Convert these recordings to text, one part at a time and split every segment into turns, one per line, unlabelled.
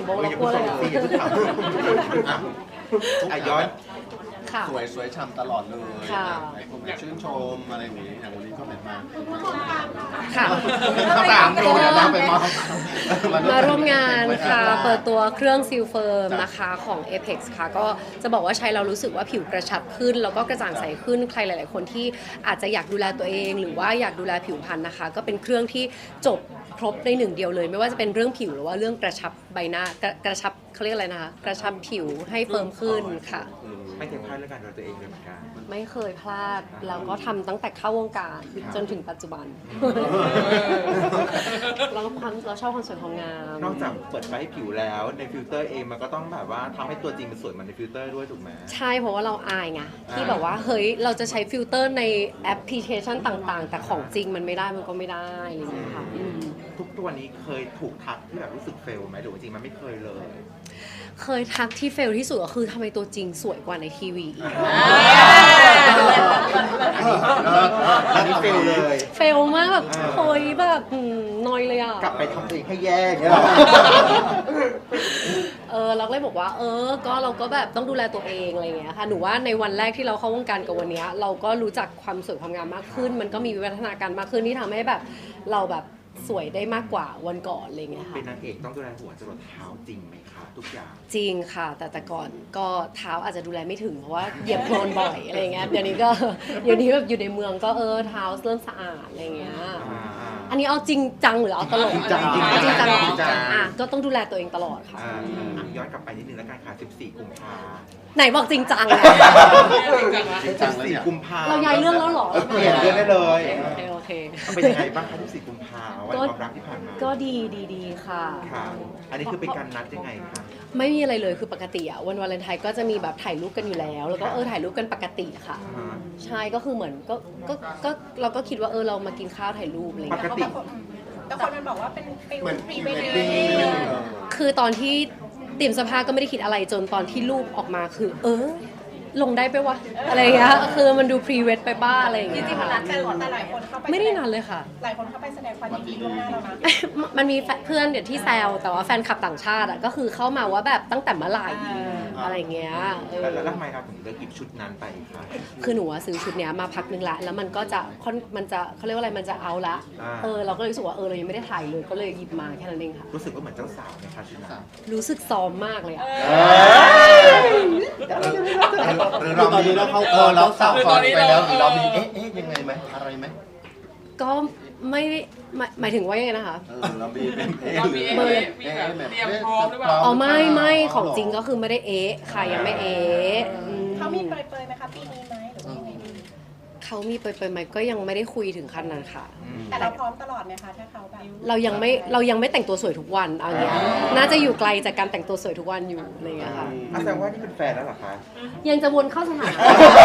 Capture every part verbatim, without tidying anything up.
โบเรากลัวเลยอ่ะ
อ่ะย้อน
ค่ะ
สวยสวยฉ่ำตลอดเลย
ค่ะ
หลายคนแบบชื่นชมอะไรอย่างนี้อย่างวันนี้ก็แบบมา
ค่ะ
ข้าวสามโลเนี่ยนะไปมอง
มาร่วมงานค่ะ เปิดตัวเครื่องซิลเฟิร์มนะคะของ Apex ค่ะ ก็จะบอกว่าใช้เรารู้สึกว่าผิวกระชับขึ้น แล้วก็กระจ่างใสขึ้น ใครหลาย ๆ คนที่อาจจะอยากดูแลตัวเอง หรือว่าอยากดูแลผิวพรรณนะคะ ก็เป็นเครื่องที่จบครบในหนึ่งเดียวเลย ไม่ว่าจะเป็นเรื่องผิวหรือว่าเรื่องกระชับใบหน้ากระกระชับเขาเรียกอะไรนะคะกระชับผิวให้เฟิร์มขึ้นค่ะ
ไม่เคยพลาดเรื่องการดูแลตัวเองเลยเหมือนกัน
ไม่เคยพลาดแล้วก็ทำตั้งแต่เข้าวงการจนถึงปัจจุบัน เราความเราชอบความสวยความงาม
นอกจากเปิดไฟให้ผิวแล้วในฟิลเตอร์เองมันก็ต้องแบบว่าทำให้ตัวจริงมันสวยเหมือนในฟิลเตอร์ด้วยถูกไหม
ใช่เพราะว่าเราอายไงที่
อ่า
แบบว่าเฮ้ยเราจะใช้ฟิลเตอร์ในแอปพลิเคชันต่างๆ แต่ของจริงมันไม่ได้มันก็ไม่ได้อะไรอย่างเงี้ยค่ะอืม
ทุกตัวนี้เคยถูกทักที่แบบรู้สึกเฟลไหมหรือว่าจริงมันไม่เคยเลย
เคยทักที่เฟลที่สุดก็คือทำไมตัวจริงสวยกว่าในทีวีอีก
อันนี้เฟลเลย
เฟลมากแบบเฮ้ยแบบอืมนอยเลยอ่ะ
กลับไปทำตัวเองให้แย่อย่างเงี้ยหรอ
เออเราก็เลยบอกว่าเออก็เราก็แบบต้องดูแลตัวเองอะไรอย่างเงี้ยค่ะหนูว่าในวันแรกที่เราเข้าวงการกับวันเนี้ยเราก็รู้จักความสวยความงามมากขึ้น มันก็มีวิวัฒนาการมากขึ้นที่ทำให้แบบเราแบบสวยได้มากกว่าวันก่อนอะไรอย่างเงี้ยค่ะ
เป็นนางเอกต้องดูแลหัวจรดเท้าจริงไหมคะทุกอย่าง
จริงค่ะ แต่แต่ก่อนก็เท้าอาจจะดูแลไม่ถึงเพราะว่าเหยียบโคลนบ่อยอะไรอย่างเงี้ยเดี๋ยวนี้ก็เดี๋ยวนี้แบบอยู่ในเมืองก็เออเท้าเริ่มสะอาดอะไรอย่างเงี้ยอันนี้เอาจริงจังหรือเอาตลก
จริงจัง
เอาจริงจังเหรอ
จริงจัง
อ่ะก็ต้องดูแลตัวเองตลอดค่ะ
อ่าย้อนกลับไปนิดนึงแล้วกันค่ะสิบสี่กุมภา
ไหนบอกจริงจังอะ
จริงจังเลย
สี่
เนี่ย
กุมภา
เราย้ายเรื่องแล้วเหรอ
เปลี่ยนเรื่องได้เลย
โอเคโอเค
เป็นยังไงบ้างคะสิบสี่กุมภาวันความรักที่ผ่านมา
ก็ดีดีดีค่ะ
ค่ะ อันนี้คือเป็นการนัดยังไงคะ
ไม่มีอะไรเลยคือปกติอะวันวาเลนไทน์ก็จะมีแบบถ่ายรูปกันอยู่แล้ว แล้วก็เออถ่ายรูปกันปกติค่ะ
อ่า
ใช่ก็คือเหมือนก็ก็ก็เราก็คิดว่าเออเรามากินข้าวถ่ายรูปอะไรอย่าง
ป
เงี้ย
กติ
แต่คนมันบอกว่าเป็นฟิล
เหมือน
พรี
พรี
เว
เว
ด
ด
ดิ้
ดิ้
ง
ง
คือตอนที่เตรียมเสภาก็ไม่ได้คิดอะไรจนตอนที่รูปออกมาคือ เออ ลงได้ไปวะอะไรอย่างเงี้ยคือมันดูพรีเวดไปบ้าอะไรอย่าง
จ
เงี้ย
ริงๆมัน
ค่ะ
นัดกันก่อนแต่หลายคนเข้าไป
ไม่ได้นานเลยค่ะ
หลายคนเข้าไปแสดงความยินดีล่วงหน้าแล้วนะ
มันมีเพื่อนเดี๋ยวที่แซวแต่ว่าแฟนคลับต่างชาติอะก็คือเข้ามาว่าแบบตั้งแต่เมื่อไหร่อะไรอย่างเงี้ยเออ
แล้วทำไมเราถึงเลือกหยิบชุดนั้นไปคะ
คือหนูอะซื้อชุดเนี้ยมาพักหนึงละแล้วมันก็จะค่อนมันจะเขาเรียกว่าอะไรมันจะเอาละ
อ่า
เออเราก็เลยรู้สึกว่าเออเรายังไม่ได้ถ่ายเลยก็เลยหยิบมาแค่นั้นเองค่ะ
รู้สึกว่าเหมือนเจ้าสาวไหมคะชุดนั้น
รู้สึกซ้อมมากเลยอะ
หรือเราตอนนี้เราเข้าเออเราสาวก่อนไปแล้วหรือเรามีเอ๊ะเอ๊ะยังไงไหมอะไรไหม
ก็ไม่ได้หมายหมายถึงว่ายังไงนะคะ
เออเรามีเป็นเอ๊ะ
เรา
หรือ
มี
เบอร์
มีแบบเตรียมพร้อมหรือเปล่า
อ๋อไม่ไม่ของจริงก็คือไม่ได้เอ๊ะค่ะยังไม่เอ๊ะอืม
เขามีเปรยๆไหมคะปีนี้ไหมหรือว่ายังไงดี
เขามีเปิดๆไหมก็ยังไม่ได้คุยถึงขั้นนั้นค่ะ
แต่เราพร้อมตลอดไหมคะถ้าเขาแบบ
เรายังไม่เรายังไม่แต่งตัวสวยทุกวันเอาอย่างเงี้ยน่าจะอยู่ไกลจากการแต่งตัวสวยทุกวันอยู่อะไรอย่างเงี้ยค่ะ
อ่ะแสดงว่านี่เป็นแฟนแล้วเหรอคะ
ยังจะวนเข้าสถานะ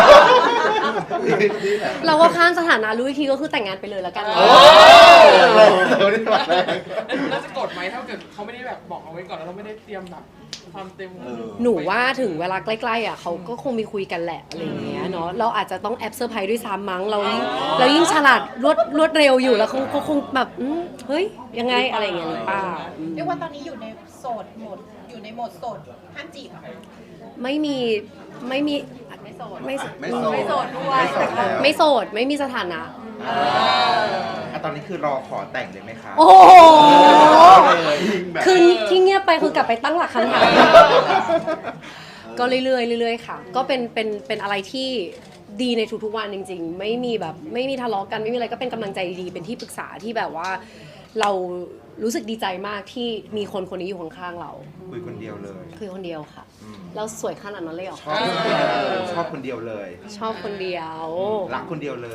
เราก็ข้ามสถานะรู้อีกทีก็คือแต่งงานไปเลยแล้วกัน
โอ้เดี๋ยวนี้มาแรง
แล้วจะกดไหมถ้าเกิดเขาไม่ได้แบบบอกเอาไว้ก่อนแล้วเราไม่ได้เตรียมแบบความเต็ม
เออ
หนูว่าถึงเวลาใกล้ๆอ่ะเขาก็คงมีคุยกันแหละอะไรอย่างเงี้ยเนาะเราอาจจะต้องแอบเซอร์ไพรส์ด้วยซ้ำมั้งเรายิ่งเรายิ่งฉลาดรวดรวดเร็วอยู่แล้วคงคงคงแบบอืมเฮ้ยยังไงอะไรอย่างเงี้ยหรือเปล่าอืม
เรียกว่าตอนนี้อยู่ในโสดโหมดอยู่ในโหมดโสดห้ามจีบเหรอคะ
ไม่มีไม่มี
ไม่โสด
ไม่
ไม่โสด
ไม่โสดด้วย
ไม่โสดแล้ว
ไม่โสดไม่มีสถานะ
อ่ะตอนนี้คือรอขอแต่งเลยไหมคะ
โอ้โห
ยิงแบบ
คือที่เงียบไปคือกลับไปตั้งหลักคำถามก็เรื่อยๆเรื่อยๆค่ะ ก็เป็นเป็นเป็นอะไรที่ดีในทุกๆวันจริงๆ ไม่มีแบบไม่มีทะเลาะกันไม่มีอะไรก็เป็นกำลังใจดีๆเป็นที่ปรึกษาที่แบบว่า เรารู้สึกดีใจมากที่มีคนคนนี้อยู่ข้างๆเรา
คุยคนเดียวเลย
คือคนเดียวค่ะ
อืม
เราสวยขนาดนั้นเลยเหรอ
ชอบคนเดียวชอบคนเดียวเลย
ชอบคนเดียว
รักคนเดียวเลย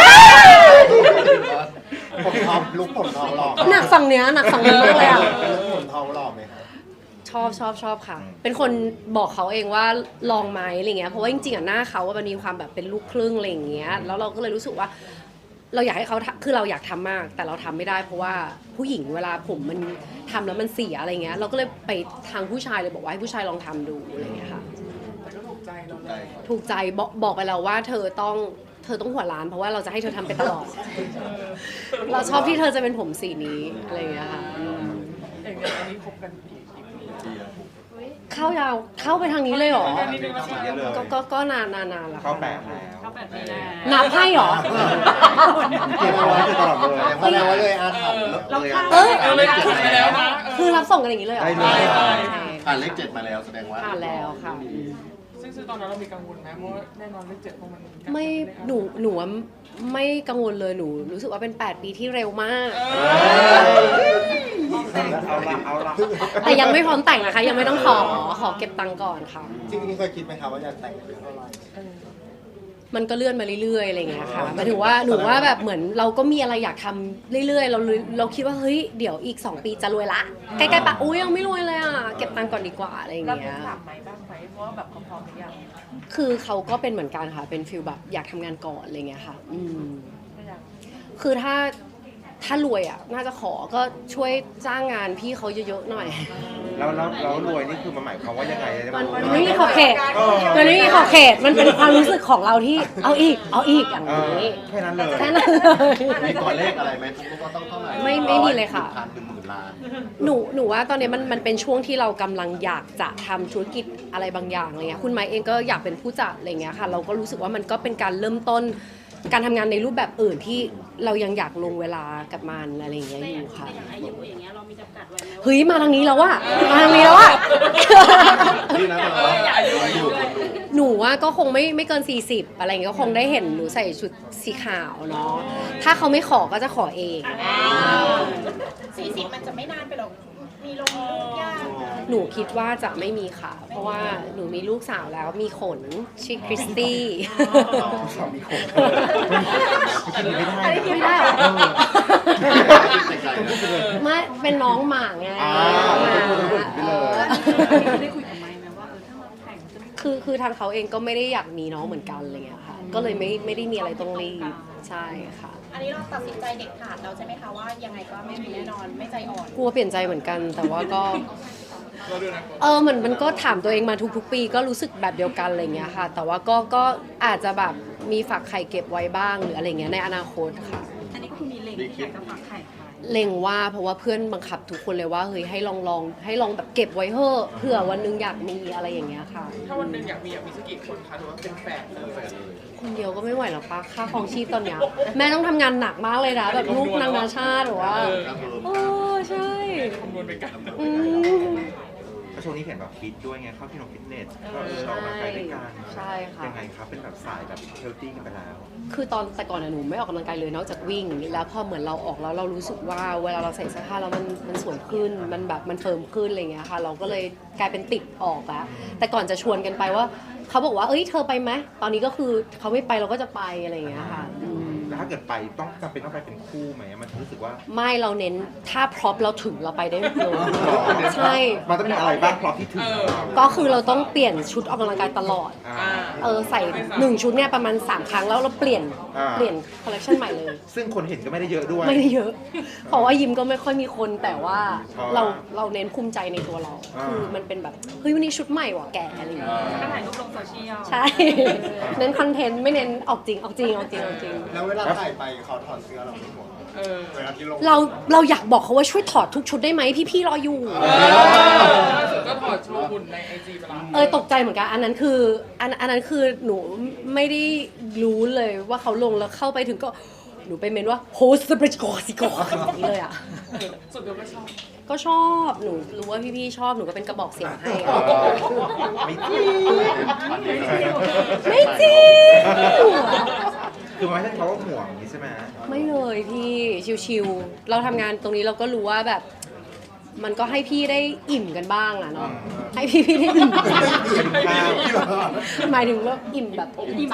ผมทองลุกผมทองหลอก
หนักฝั่งเนี้ยหนักฝั่งนี้มากเลยอ่ะ
ลุกผมทองหลอกไหมครับ
ชอบชอบชอบค่ะ เป็นคนบอกเขาเองว่าลองไหมอะไรเงี้ย เพราะว่าจริงๆอ่ะหน้าเขาว่ามันมีความแบบเป็นลูกครึ่งอะไรอย่างเงี้ย แล้วเราก็เลยรู้สึกว่า เราอยากให้เขาทำคือเราอยากทำมาก แต่เราทำไม่ได้ เพราะว่าผู้หญิงเวลาผมมันทำแล้วมันเสียอะไรเงี้ย เราก็เลยไปทางผู้ชายเลยบอกว่าให้ผู้ชายลองทำดูอะไรเงี้ยค่ะ
แต่ก็ถูกใจเราเลย
ถูกใจบอกบอกไปแล้วว่าเธอต้องเธอต้องหัวล้าน เพราะว่าเราจะให้เธอทำไปตลอด เราชอบที่เธอจะเป็นผมสีนี้อะไรเงี้ยค่ะอืม
อย่างเงี้ยอันนี้คบกันกี่กี่ปี
เข้ายาวเข้าไปทางนี้เลยเหรอ
แค่นี้นึงแล้ว
เยอะเลย
ก็ก็ก็นานนานนานแล้ว
เข้า
ค่ะ
แปดแล้ว
เข้าแปดปีแล้ว
นับให้เหรอ
เก็บเอาไว้ตลอดเลยแสดงว่าเลยอาถรรพ์
เราเลย
เอ้ย
เออเลยจุดไปแล้วนะ
คือรับส่งกันอย่างนี้เลยเหรอ
ได้เลย
ใช่
ผ่านเลขเจ็ดมาแล้วแสดงว่า
ผ่านแล้วค่ะ
ซึ่งซึ่งตอนนั้นเรามีกังวลไหมเพราะว่าแน่นอนเลขเจ็ดเพราะมัน
ไม่หนูหนูว่าไม่กังวลเลยหนูรู้สึกว่าเป็น แปด ปีที่เร็วมาก
เอาละเอาละ
แต่ยังไม่พร้อมแต่งนะคะ ยังไม่ต้องขอขอเก็บตังค์ก่อนค่ะ
จริงๆเคยคิดไหมครับว่าจะแต่งอายุเท่าไหร่
มันก็เลื่อนมาเรื่อยๆอะไรอย่างเงี้ยค่ะหมายถึงว่าหนูว่าแบบเหมือนเราก็มีอะไรอยากทำเรื่อยๆ เราเราคิดว่าเฮ้ยเดี๋ยวอีก สอง ปีจะรวยละใกล้ๆปะอุ้ยยังไม่รวยเลยอ่ะเก็บตังค์ก่อนดีกว่าอะไรอย่าง
เรา
เงี้ย
ถามไหมบ้างไหมเพราะว่าแบบเขาพร้อมหรือยัง
คือเขาก็เป็นเหมือนกันค่ะเป็นฟิลแบบอยากทำงานก่อนอะไรเงี้ยค่ะ อืม
ไม่อยาก
คือถ้าถ้ารวยอ่ะน่าจะขอก็ช่วยจ้างงานพี่เขาเยอะๆหน่อย
แล้วแล้วแล้วรวยนี่คือมันหมายความว่ายังไง
มันมันไม่มีขอบเขตมันไม่มีขอบเขตมันเป็นความรู้สึกของเราที่เอาอีกเอาอีกอย่าง
เออ
นี้
แค่นั้นเลย
แค่นั้นเลย
มีตัวเลขอะไรไหมทุกคนก็ต้องเท่าไหร่
ไม่ไม่มีเลยค่ะ
พันหนึ่งหมื่นล้าน
หนูหนูว่าตอนนี้มันมันเป็นช่วงที่เรากำลังอยากจะทำธุรกิจอะไรบางอย่างอะไรเงี้ยคุณไม้เองก็อยากเป็นผู้จัดอะไรเงี้ยค่ะเราก็รู้สึกว่ามันก็เป็นการเริ่มต้นการทำงานในรูปแบบอื่นที่เรายังอยากลงเวลากับมันอะไรอย่างเงี้ยอยู่ค่ะ
อย่างอายุอย่างเงี้ยเรามีจำกัดไว้ไหมว่า
เฮ้ยมาทางนี้แล้วอะมาทางนี้แล้วอะ
นี่นะแต่ว่า
อายุอายุ
หนูว่าก็คงไม่ไม่เกิน สี่สิบ อะไรเงี้ยก็คงได้เห็นหนูใส่ชุดสีขาวเนาะถ้าเขาไม่ขอก็จะขอเอง
สี่สิบมันจะไม่นานไปหรอก มีลงมีลูกยาก
หนูคิดว่าจะไม่มีค่ะ เพราะว่าหนูมีลูกสาวแล้วมีขนชื่อคริสตี้
สามีคนคิดไม่ได้
อันนี้คิดไม่ได้เหรอ ไม่เป็นน้องหมาไง
อ่า
หมา
พูดพูดไปเลย
ได้คุยกับไมค์ไหมว่าเออถ้าเราแต่งจะไม่
คือคือทางเขาเองก็ไม่ได้อยากมีน้องเหมือนกันอะไรเงี้ยค่ะ ก็เลยไม่ไม่ได้มีอะไรต้องรีบใช่ค่ะ
อันนี้เราตัดสินใจเด็ดขาดแล้วใช่ไหมคะว่ายังไงก็ไม่มีแน่นอนไม่ใจอ่อน
กลัวเปลี่ยนใจเหมือนกัน แต่ว่าก็
เราดูนะ
เออเหมือนมันก็ถามตัวเองมาทุกๆ ปีก็รู้สึกแบบเดียวกันอะไรเงี้ยค่ะ แต่ว่าก็ก็อาจจะแบบมีฝากไข่เก็บไว้บ้างหรืออะไรเงี้ยในอนาคตค่ะ
อันนี้ก็คือมีเล็งอยากจะฝากไข่ค่ะ
เล็งว่าเพราะว่าเพื่อนบังคับทุกคนเลยว่าเฮ้ยให้ลองลองให้ลองแบบเก็บไว้เถอะเผื่อวันหนึงอยากมีอะไรอย่างเงี้ยค่ะ
ถ้าวันหนึ่งอยากมีอยากมีสักกี่คนคะถือว่าเป็นแฝดเลย
คนเดียวก็ไม่ไหวหรอกปะค่าครองชีพตอนเนี้ยแม่ต้องทำงานหนักมากเลยนะแบบลูกนานาชาติหรือว่าโอ้ใช่
คำนวณไปกัน
อืม
แล้วช่วงนี้เห็นแบบฟิตด้วยไงเข้าที่นอนฟิตเนสก็เออออกกำลังกายด้วยกัน
ใช่ค่ะ
ยังไงครับเป็นแบบสายแบบเฮลตี้กันไปแล้ว
คือตอนแต่ก่อนอะหนูไม่ออกกำลังกายเลยนอกจากวิ่ง แล้วพอเหมือนเราออกแล้วเรารู้สึกว่าเวลาเราใส่เสื้อผ้าแล้วมันมันสวยขึ้นมันแบบมันเฟิร์มขึ้นอะไรเงี้ยค่ะ เราก็เลยกลายเป็นติดออกแล้วแต่ก่อนจะชวนกันไปว่าเขาบอกว่าเอ้ยเธอไปไหมตอนนี้ก็คือเขาไม่ไปเราก็จะไปอะไรเงี้ยค่ะอืม
แล้วถ้าเกิดไปต้องจำเป็นต้องไปเป็นคู่ไหมมันรู้สึกว่า
ไม่เราเน้นถ้าพร็อพเราถึงเราไปได้เลยใช่
มันต้องมีอะไรบ้างพร้อมที่ถึงของเรา
ก็คือเราต้องเปลี่ยนชุดออกกำลังกายตลอด
อ่า
อ่า
เออใส่หนึ่งชุดเนี่ยประมาณสามครั้งแล้วเราเปลี่ยน
อ่า
เปลี่ยนคอลเลคชันใหม่เลย
ซึ่งคนเห็นก็ไม่ได้เยอะด้วย
ไม่ได้เยอะ เพราะว่ายิมก็ไม่ค่อยมีคนแต่ว่า
อ๋อ
เราเราเน้นภูมิใจในตัวเรา
อ่า
คือมันเป็นแบบเฮ้ยวันนี้ชุดใหม่ว่ะแกอะไรอย่างเงี้ย
ก็ถ่ายรูปลงโซเชียล
ใช่ เน้นคอนเทนต์ไม่เน้นออกจริงออกจริงออกจริงออกจริง
แล้วเวลาถ่ายไปเขาถอดเสื้อเราไม่ห่วง
เออ
เวลาที่ลง
เราเราอยากบอกเขาว่าช่วยถอดทุกชุดได้ไหมพี่ๆรออยู่
ล่าสุดก็ถอดโชว์หุ่นในไอจีไปแล้ว
เออตกใจเหมือนกันอันนั้นคืออันอันนั้นคือหนูไม่ได้รู้เลยว่าเขาลงแล้วเข้าไปถึงก็หนูไปเมนว่าโฮสต์บริจโกสิโกอย่างนี้เลยอ่ะ
สุดเดียวก็ชอบ
ก็ชอบหนูรู้ว่าพี่ๆชอบหนูก็เป็นกระบอกเสียงให้
ไม่จริง
ไม่จริง
คือไม่ใช่เขาว่าห่วงอย่างนี้ใช่ไหม
ไม่เลยพี่ชิวๆเราทำงานตรงนี้เราก็รู้ว่าแบบ มันก็ให้พี่ได้อิ่มกันบ้างอะเนาะให้พี่ๆได้อิ่ม
ข้าว
หมายถึงว่าอิ่มแบบอิ่มใจ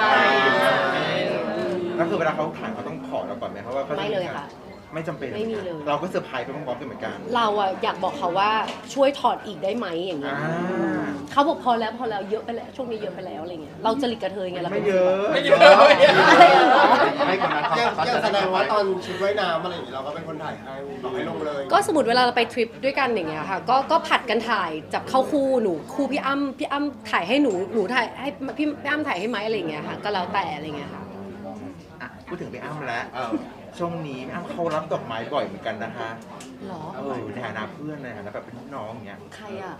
แล้วคือเวลาเขาถ่ายเขาต้องขอเราก่อนไหมเพราะว่าขาจะ
ไม่เลยค่ะ
ไม่จำเป็น
ไม่มีเลย
เราก็เซอร์ไพรส์ไปพร้อมๆกันเหมือนกัน
เราอะอยากบอกเขาว่าช่วยถอดอีกได้ไหมอย่างเงี้
อ่าย
เขาบอกพอแล้วพอแล้วเยอะไปแล้วช่วงนี้เยอะไปแล้วอะไรเงี้ยเราจริตกระเทยไงเรา
ไม่
ป็น
เยอะ
ไม่เยอะไม่เยอะ
อะไรเหรอ
ให้คนนั้นเขายังแสดงว่าตอนชุดว่ายน้ำอะไรอย่างนี้เราก็เป็นคนถ่ายให้บอกให้ลงเลย
ก็สมมติเวลาเราไปทริปด้วยกันอย่างเงี้ยค่ะก็ก็ผัดกันถ่ายจับเข้าคู่หนูคู่พี่อ้ำพี่อ้ำถ่ายให้หนูหนูถ่ายให้พี่พี่อ้ำถ่ายให้ไหมอะไรเงี้ยค่ะก็แล้วแต่อะไรเงี้ยค่ะ
อ่ะพูดถึงพี่อ้ำแล้ว
เออ
ช่วงนี้พี่อ้ำเขารับดอกไม้บ่อยเหมือนกันนะคะ
หรอ
เออในฐานะเพื่อนในฐานะแบบเป็นพี่น้องอย่างเงี้ย
ใครอ่ะ
อ่า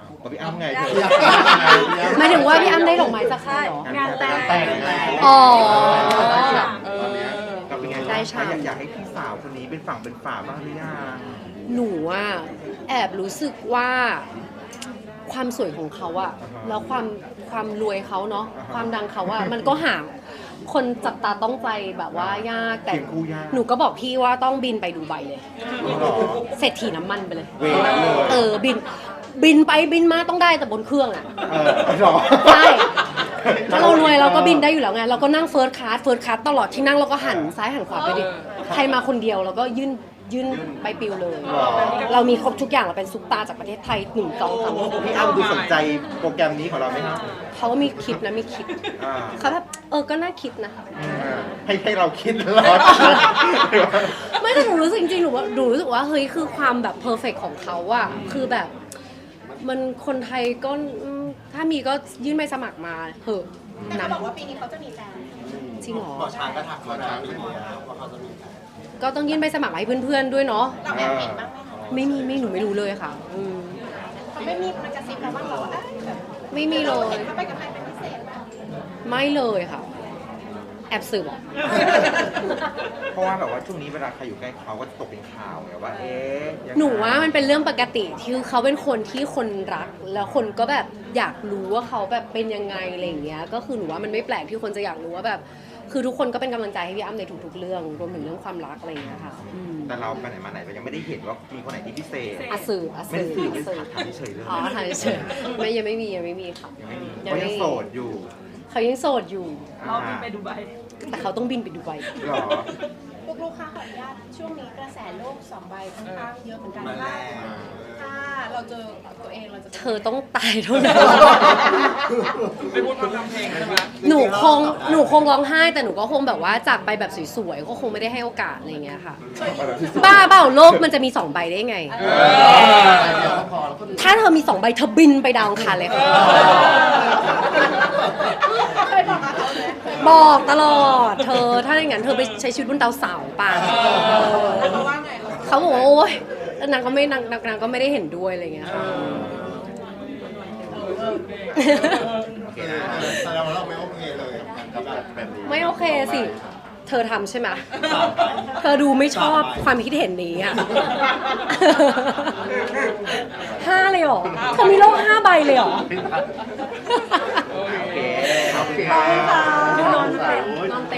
กับพี่อ้ำไงเธอ
หมายถึงว่าพี่อ้ำได้ดอกไม้จากใครเหรอ
งานแต่ง
แต่งไง
อ๋อ
เออ
กับเป็นไง
ได้
อยา
ฉ่ำ
กอยากให้พี่สาวคนนี้เป็นฝั่งเป็นฝาบ้างหรือยัง
หนูอ่ะแอบรู้สึกว่าความสวยของเขาอะแล้วความความรวยเขาเนาะความดังเขาอะมันก็หาคนจับตาต้องใจแบบว่ายากแต่
เคียงคู่ยาก
หนูก็บอกพี่ว่าต้องบินไปดูไบเลย
หรอ
เศรษฐีน้ำมันไปเลย
เวนั้นเลย
เออบินบินไปบินมาต้องได้แต่บนเครื่องอะ
เออหรอ
ใช่ถ้าเรารวยเราก็บินได้อยู่แล้วไงเราก็นั่งเฟิร์สคลาสเฟิร์สคลาสตลอดที่นั่งเราก็หันซ้ายหันขวาไปดิใครมาคนเดียวเราก็ยื่นยื่นไปปิวเลย
หรอ
เรามีครบทุกอย่างเราเป็นซุปตาจากประเทศไทยหนึ่งสองสาม
พี่อ้ำดูสนใจโปรแกรมนี้ของเราไหมครับ
เขาก็มีคิดนะมีคิด
อ่า
เขาแบบเออก็น่าคิดนะ
ให้ให้เราคิดตลอด
ไม่แต่หนูรู้สึกจริงๆหนูว่าหนูรู้สึกว่าเฮ้ยคือความแบบเพอร์เฟกของเขาอะคือแบบมันคนไทยก็อืมถ้ามีก็ยื่นใบสมัครมาเถอะ
แต่
นะ
เขาบอกว่าปีนี้เขาจะมีแฟน
จริงเหรอ
หมอช้างก็ทักเขานะว่าเขาจะมีแฟน
ก็ต้องยื่นใบสมัครมาให้เพื่อนๆด้วยเนาะ
เราแอบเห็นบ้างไหมคะ
ไม่มีไม่หนูไม่รู้เลยค่ะอืม
เขาไม่มีมันกระซิบเราบ้างเหรอว่าเอ้ยแบบ
ไม่มีเลย
เห็นเขาไปกับใครเป็นพิเศษไหม
ไม่เลยค่ะ แอบสืบเหรอ
เพราะว่าแบบว่าช่วงนี้เวลาใครอยู่ใกล้เขาก็จะตกเป็นข่าวไงว่าเอ๊ะยังไง
หนูว่ามันเป็นเรื่องปกติที่เขาเป็นคนที่คนรัก แล้วคนก็แบบอยากรู้ว่าเขาแบบเป็นยังไงอะไรอย่างเงี้ยก็คือหนูว่ามันไม่แปลกที่คนจะอยากรู้ว่าแบบ คือทุกคนก็เป็นกำลังใจให้พี่อ้ำในทุกๆเรื่องรวมถึงเรื่องความรักอะไรอย่างเงี้ยค่ะอืม
แต่เราไปไหนมาไหนเรายังไม่ได้เห็นว่ามีคนไหนที่พิเศษ
อาสืบอา
ไม่
สื
ได้
บ
สื่อ
อา
ไม่
สื
ได้
บ
ถามเฉยๆเลย
อ๋อถ่ายเฉยๆไม่ยังไม่มียังไม่มีค่ะ
ยังไม่มี
ยัง
เขา
ไม่
ยังโสดอยู่
เขายังโสดอยู่
เราบินไปดูไบ
แต่เขาต้องบินไปดูไบ
หรอ
ลูกๆค่ะขออนุญาตช่วงนี้กระแสโลกสองใบค่อนข้างเยอะเหมือนกันถ้าถ้าเราเจอตัวเองเราจะ
เธอต้องตายเท่านั้น
ไม่พูดมาทำเพลงใช่ไหม
หนูคงหนูคงร้องไห้แต่หนูก็คงแบบว่าจากไปแบบสวยๆก็คงไม่ได้ให้โอกาสอะไรอย่างเงี้ยค่ะ บ้าเปล่าโลกมันจะมีสองใบได้ไง
เดี๋ยวพอแล้วก็
ถ้าเธอมีสองใบเธอบินไปดาวอังคารเลยค่ะ
เคยบอกกับเขาไหม
บอกตลอด เธอถ้าอย่างนั้นเธอไปใช้ชีวิตบนดาวเสาร์ป่ะ
แล้วเขาว่าไงเขา
เขาบอกว่าโอ๊ยแล้วนางก็ไม่นางนางนางก็ไม่ได้เห็นด้วยอะไรอย่างเงี้ยค่ะ
โอเคนะ
แสดงว่าเราไม่โอเคเลยกับการแบบนี้
ไม่โอเคสิ เธอทำใช่ไหม เธอดูไม่ชอบความคิดเห็นนี้อ่ะ ห้าเลยเหรอ เธอมีโลกห้าใบเลยเหรอ
โอเค ขอบคุณ
ขอบคุณค่ะ
ค่ะ
นอนเต็มนอนเต็ม